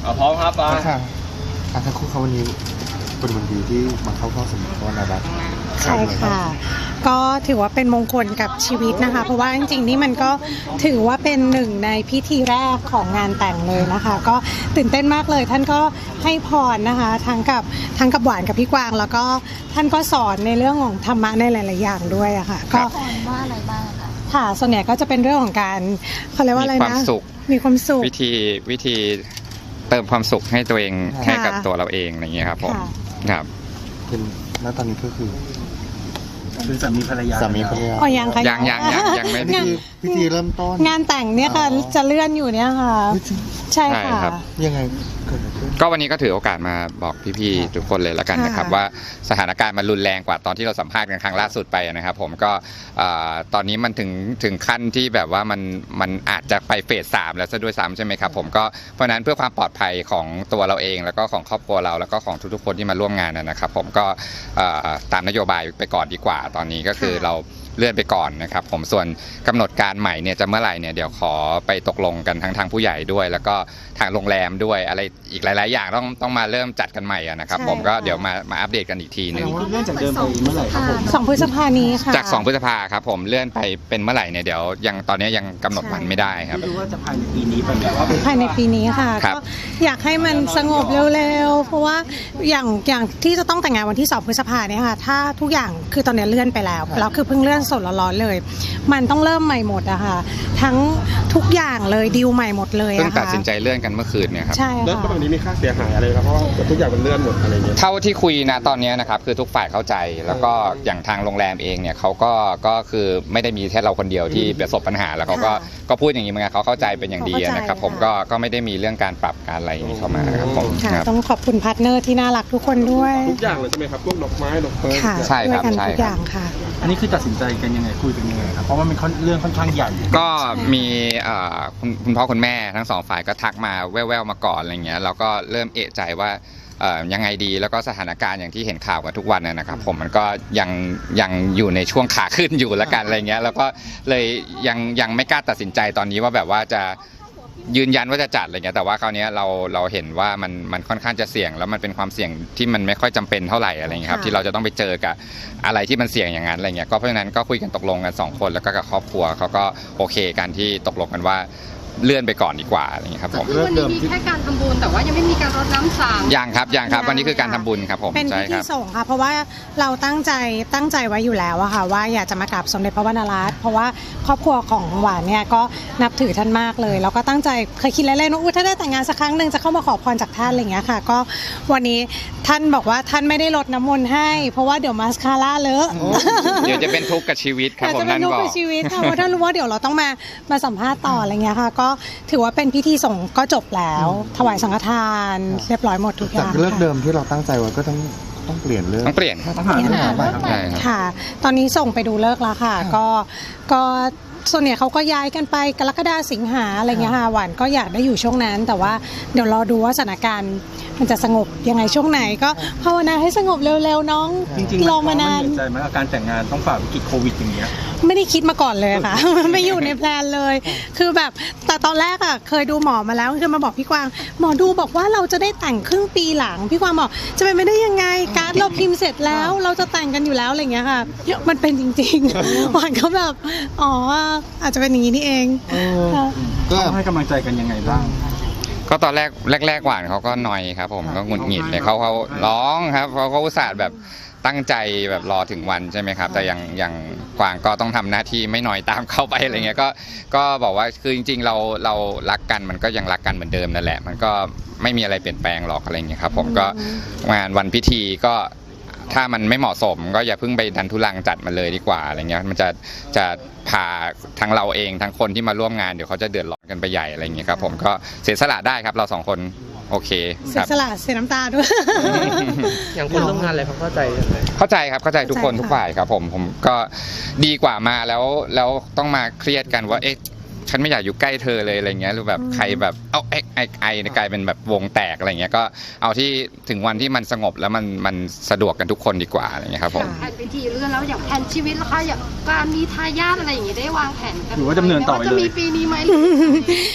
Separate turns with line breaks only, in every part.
พร้อมครับป้า
ค่ะทั้งคู่เขาวันนี้เป็นวันดีที่มาเข้าสมุทรนารัตน์
ใช่ค่ะก็ถือว่าเป็นมงคลกับชีวิตนะคะเพราะว่าจริงๆนี่มันก็ถือว่าเป็นหนึ่งในพิธีแรกของงานแต่งเลยนะคะก็ตื่นเต้นมากเลยท่านก็ให้พรนะคะทั้งกับหวานกับพี่กวางแล้วก็ท่านก็สอนในเรื่องของธรรมะในหลายๆอย่างด้วยอะค่ะก็
สอนว่าอะไรบ้างคะ
ค่ะส่วนใหญ่ก็จะเป็นเรื่องของการเขาเรียกว่าอะไรนะมีความสุข
วิธีเติมความสุขให้ตัวเองให้กับตัวเราเองอะไรอย่างเงี้ยครับผมครับ
เป็นณตอนนี้ก็คือ
สามีภรรยา
อ๋อยังค่ะ
ยังไม่
พิธีเริ่มต้น
งานแต่งเนี่ยค่ะจะเลื่อนอยู่เนี่ยค่ะใช่ค่ะ
ยังไง
ก็วันนี้ก็ถือโอกาสมาบอกพี่ๆทุกคนเลยแล้วกันนะครับว่าสถานการณ์มันรุนแรงกว่าตอนที่เราสัมภาษณ์กันครั้งล่าสุดไปนะครับผมก็ตอนนี้มันถึงขั้นที่แบบว่ามันอาจจะไปเฟส 3แล้วซะด้วยซ้ำใช่ไหมครับผมก็เพราะนั้นเพื่อความปลอดภัยของตัวเราเองแล้วก็ของครอบครัวเราแล้วก็ของทุกๆคนที่มาร่วมงานนะครับผมก็ตามนโยบายไปก่อนดีกว่าตอนนี้ก็คือเราเลื่อนไปก่อนนะครับผมส่วนกำหนดการใหม่เนี่ยจะเมื่อไหร่เนี่ยเดี๋ยวขอไปตกลงกันทางผู้ใหญ่ด้วยแล้วก็ทางโรงแรมด้วยอะไรอีกหลายๆอย่างต้องมาเริ่มจัดกันใหม่นะครับผมก็เดี๋ยวมาอัปเดตกันอีกทีนึง
เลื่อนจากเดิมไปเมื่อไหร่ครับผม
2 พฤษภาคมนี้ค่ะ
จาก2 พฤษภาคมครับผมเลื่อนไปเป็นเมื่อไหร่เนี่ยเดี๋ยวยังตอนนี้ยังกำหนดวันไม่ได้ครับ
ไม่รู้ว่าจะภายในปีนี้เป็นแบบว่า
ภายในปีนี้ค่ะก็อยากให้มันสงบเร็วๆเพราะว่าอย่างที่จะต้องแต่งงานวันที่2 พฤษภาคมเนี่ยค่ะถ้าทุกอย่างคือตอนนี้เลื่อนไปแล้วคือเพิ่งเลื่อนสดร้อนๆเลยมันต้องเริ่มใหม่หมดอะค่ะทั้งทุกอย่างเลยดีลใหม่หมดเลย
เพิ่งตัดสินใจเลื่อนกันเมื่อคืนเนี่ยครับ
ใช่ค่ะ
แล้วแบบนี้มีค่าเสียหายอะไรครับเพราะว่าทุกอย่างมันเลื่อนหมดอะไรเงี้ย
เท่าที่คุยนะตอนนี้นะครับคือทุกฝ่ายเข้าใจแล้วก็อย่างทางโรงแรมเองเนี่ยเขาก็คือไม่ได้มีแค่เราคนเดียวที่ประสบปัญหาแล้วเขาก็พูดอย่างนี้เหมือนกันเขาเข้าใจเป็นอย่างดีนะครับผมก็ไม่ได้มีเรื่องการปรับการอะไรอย่างนี้เข้ามาครับผม
ต้องขอบคุณพาร์ทเนอร์ที่น่ารักทุกคนด้วย
ทุกอย่างเลยใช่ไหมครับพวกดอกไม้ดอกเฟิร์
นใช่ครับใช่ทุกอย่างค่ะ
อันนี้คือตัดสินใจกันยังไงคุยกันยังไงครับเพราะว่ามันเรื่องค่อนข้างใหญ่
ก็มีคุณพ่อคุณแม่ทั้ง2 ฝ่ายก็ทักมาแว่วๆมาก่อนอะไรเงี้ยเราก็เริ่มเอะใจว่ายังไงดีแล้วก็สถานการณ์อย่างที่เห็นข่าวกันทุกวันนะครับผมมันก็ยังอยู่ในช่วงขาขึ้นอยู่ละกันอะไรเงี้ยแล้วก็เลยยังไม่กล้าตัดสินใจตอนนี้ว่าแบบว่าจะยืนยันว่าจะจัดอะไรเงี้ยแต่ว่าคราวนี้เราเห็นว่ามันค่อนข้างจะเสี่ยงแล้วมันเป็นความเสี่ยงที่มันไม่ค่อยจำเป็นเท่าไหร่อะไรเงี้ยครับที่เราจะต้องไปเจอกับอะไรที่มันเสี่ยงอย่างนั้นอะไรเงี้ยก็เพราะฉะนั้นก็คุยกันตกลงกัน2 คนแล้วก็กับครอบครัวเขาก็โอเคกันที่ตกลงกันว่าเลื่อนไปก่อนดีกว่าอะไรอย่างนี้ครับผม
วันนี้มีแค่การทำบุญแต่ว่ายังไม่มีการรดน้ำสัง
ยังครับวันนี้คือการทำบุญครับผม
เป็นพิธีส่งค่ะเพราะว่าเราตั้งใจไว้อยู่แล้วอะค่ะว่าอยากจะมากราบสมเด็จพระวรรณรัตน์เพราะว่าครอบครัวของหวานเนี่ยก็นับถือท่านมากเลยแล้วก็ตั้งใจเคยคิดเล่นๆว่าถ้าได้แต่งงานสักครั้งหนึ่งจะเข้ามาขอพรจากท่านอะไรอย่างเงี้ยค่ะก็วันนี้ท่านบอกว่าท่านไม่ได้รดน้ำมนต์ให้เพราะว่าเดี๋ยวมาสคาร่าเลอะ
เดี๋ยวจะเป็นทุกข์กับชีวิตครับผมนั่นบอกจะเป็นทุกข์กับ
ชีวิตค่ะเพราะท่านรู้ว่าเดี๋ยวเราต้องมาสัมภาษณ์ต่ออะไรเงี้ยค่ะก็ถือว่าเป็นพิธีส่งก็จบแล้วถวายสังฆทานเรียบร้อยหมดทุกอย่าง
จากเลิกเดิมที่เราตั้งใจไว้ก็ต้องเปลี่ยนเลิก
ต้องเปลี่ยน
ค่ะตอนนี้ส่งไปดูเลิกแล้วค่ะก็ส่วนใหญ่เขาก็ย้ายกันไปกรกฎาสิงหาอะไรเงี้ยค่ะหวานก็อยากได้อยู่ช่วงนั้นแต่ว่าเดี๋ยวรอดูว่าสถานการณ์มันจะสงบยังไงช่วงไหนก็ภาวนาให้สงบเร็วๆน้องรอมานาน
ใจไหมการแต่งงานต้องฝ่าวิกฤตโควิดอย่างเงี้ย
ไม่ได้คิดมาก่อนเลยค่ะไม่อยู่ในแพลนเลยคือแบบแต่ตอนแรกอ่ะเคยดูหมอมาแล้วคือมาบอกพี่กวางหมอดูบอกว่าเราจะได้แต่งครึ่งปีหลังพี่กวางบอกจะเป็นไม่ได้ยังไงการ์ดเราพิมพ์เสร็จแล้วเราจะแต่งกันอยู่แล้วอะไรเงี้ยค่ะมันเป็นจริงๆหวานเขาแบบอ๋ออาจจะเป็นอย่างนี้นี่เอง
ก็ให้กำลังใจกันยังไงบ้าง
ก็ตอนแรกหวานเขาก็หน่อยครับผมก็หงุดหงิดเลยเขาร้องครับเขาอุตส่าห์แบบตั้งใจแบบรอถึงวันใช่ไหมครับแต่อย่างกวางก็ต้องทำหน้าที่ไม่น้อยตามเข้าไปอะไรเงี้ยก็บอกว่าคือจริงๆเรารักกันมันก็ยังรักกันเหมือนเดิมนั่นแหละมันก็ไม่มีอะไรเปลี่ยนแปลงหรอกอะไรเงี้ยครับผมก็งานวันพิธีก็ถ้ามันไม่เหมาะสมก็อย่าเพิ่งไปดันทุลังจัดมันเลยดีกว่าอะไรเงี้ยมันจะพาทั้งเราเองทั้งคนที่มาร่วมงานเดี๋ยวเขาจะเดือดร้อนกันไปใหญ่อะไรเงี้ยครับผมก็เสียสละได้ครับเรา2 คนโอเค
เสียสละเสียน้ำตาด้วย
อย่างคนร่วมงานอะไรเขาเข้าใจเลย
เข้าใจครับเข้าใจทุกคนทุกฝ่ายครับผมก็ดีกว่ามาแล้วต้องมาเครียดกันว่าเอ๊ะฉันไม่อยากอยู่ใกล้เธอเลยอะไรเงี้ยหรือแบบใครแบบเอาไอ้กลายเป็นแบบวงแตกอะไรเงี้ยก็เอาที่ถึงวันที่มันสงบแล้วมันสะดวกกันทุกคนดีกว่าอะไรเงี้ยครับผม
แผนพิธีเลื่อนแล้วอย่างแผนชีวิตล่ะคะอย่างการมีทายาทอะไรอย่างงี้ได้วางแผนกัน
หรือว่าดำเนินต่อไปเลย
จะมีปีนี้ไหม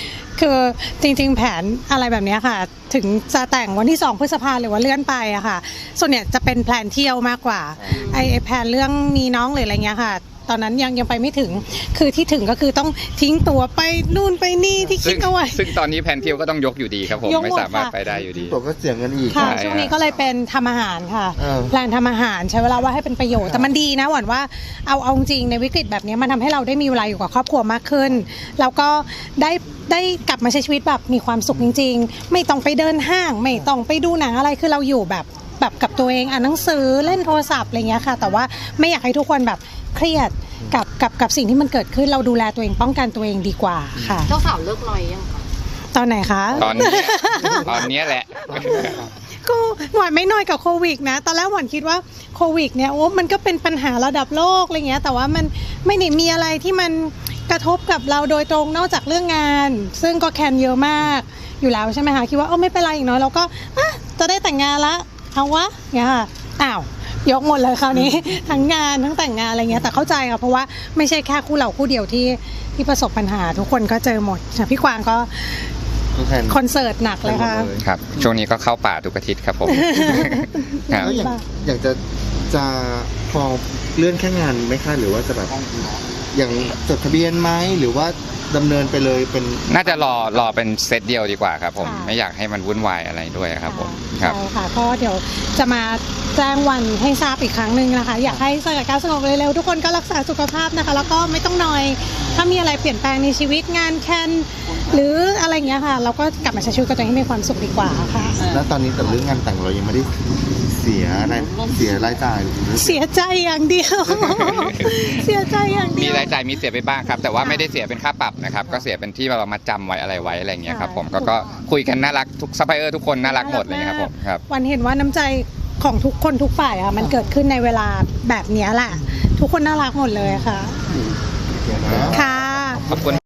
คือจริงๆแผนอะไรแบบเนี้ยค่ะ ถึงจะแต่งวันที่2 พฤษภาหรือว่าเลื่อนไปอะค่ะ ส่วนเนี่ยจะเป็นแพลนเที่ยวมากกว่าไอ้แพลนเรื่องมีน้องหรืออะไรเงี้ยค่ะ ตอนนั้นยังไปไม่ถึง คือที่ถึงก็คือต้องทิ้งตัวไปนู่นไปนี่ที่คิดเอาไว้
ซึ่งตอนนี้แผนเที่ยวก็ต้องยกอยู่ดีครับผม
ยกหมด
ไม่สามารถ
ค่ะ
ไปได้อยู่ดี
ตัวก็เสียเงินอีก
ค่ะ
ใช่
ช่วงนี้ก็เลยเป็นทำอาหารค่ะ
เออ
แพลนทำอาหารใช้เวลาว่าให้เป็นประโยชน์แต่มันดีนะหวันว่าเอาจริงในวิกฤตแบบนี้มันทำให้เราได้มีเวลาอยู่กับครอบครัวมากขึ้นแล้วก็ได้กลับมาใช้ชีวิตแบบมีความสุขจริงๆ ไม่ต้องไปเดินห้าง ไม่ต้องไปดูหนังอะไรคือเราอยู่แบบกับตัวเองอ่านหนังสือเล่นโทรศัพท์อะไรเงี้ยค่ะแต่ว่าไม่อยากให้ทุกคนแบบเครียดกับสิ่งที่มันเกิดขึ้นเราดูแลตัวเองป้องกันตัวเองดีกว่าค่ะ
เจ้าสาวเลิกลอยยังคะ
ตอนไหนคะ
ตอนนี้ตอนนี้แหละ
ก็หวานไม่น้อยกับโควิดนะตอนแรกหวานคิดว่าโควิดเนี่ยโอ้มันก็เป็นปัญหาระดับโลกอะไรเงี้ยแต่ว่ามันไม่ได้มีอะไรที่มันกระทบกับเราโดยตรงนอกจากเรื่องงาน ซึ่งก็แคนเยอะมากอยู่แล้วใช่ไหมคะคิดว่าไม่เป็นไรอีกน้อยเราก็จะได้แต่งงานละเอาวะเนี่ยค่ะอ้าวยกหมดเลยคราวนี้ ทั้งงานทั้งแต่งงานอะไรเงี้ยแต่เข้าใจค่ะเพราะว่าไม่ใช่แค่คู่เราคู่เดียวที่ประสบปัญหาทุกคนก็เจอหมดพี่กวางก็
ก็แทน
คอนเสิร์ตหนักเลยค่ะ
ครับ ช่วงนี้ก็เข้าป่าทุกอาทิตย์ครับผม ครับ
แล้วอยากจะพอเลื่อนแค่งานไหมคะหรือว่าจะแบบอย่างจดทะเบียนไหมหรือว่าดำเนินไปเลยเป็น
น่าจะรอเป็นเซตเดียวดีกว่าครับผม
ค่ะ
ไม่อยากให้มันวุ่นวายอะไรด้วยครับผมครับ
ใช่ค่ะก็เดี๋ยวจะมาแจ้งวันให้ทราบอีกครั้งหนึ่งนะคะ อยากให้สถานการณ์สงบเร็วๆทุกคนก็รักษาสุขภาพนะคะ แล้วก็ไม่ต้องนอยถ้ามีอะไรเปลี่ยนแปลงในชีวิตงานแคนหรืออะไรอย่างเงี้ยค่ะ เราก็กลับมาใช้ชีวิตกับตัวเองให้มีความสุขดีกว่าค่ะ
แล้วตอนนี้แต่เรื่องงานแต่งเรายังไม่ได้เสียรายจ่ายหรือ
เสียใจอย่างเดียว เสียใจอย่างเดี
มี
ยว
รายจ่ายมีเสียไปบ้างครับ แต่ว่า
ค่ะ
ไม่ได้เสียเป็นค่าปรับนะครับ ก็เสียเป็นที่เรามาจำไว้อะไรไว้อะไรอย่างเงี้ยครับผม
ค่ะ
ก็คุยกันน่ารักทุกซัพพลายเออร์ทุกคนน่ารักหมดอะไรอย่างเลยครับผมครับ
วันเห็นว่าน้ำใจของทุกคนทุกฝ่ายอะมันเกิดขึ้นในเวลาแบบเนี้ยแหละ ทุกคนน่ารักหมดเลยค่ะ
เสียนะ
ค่ะ
ขอบคุณ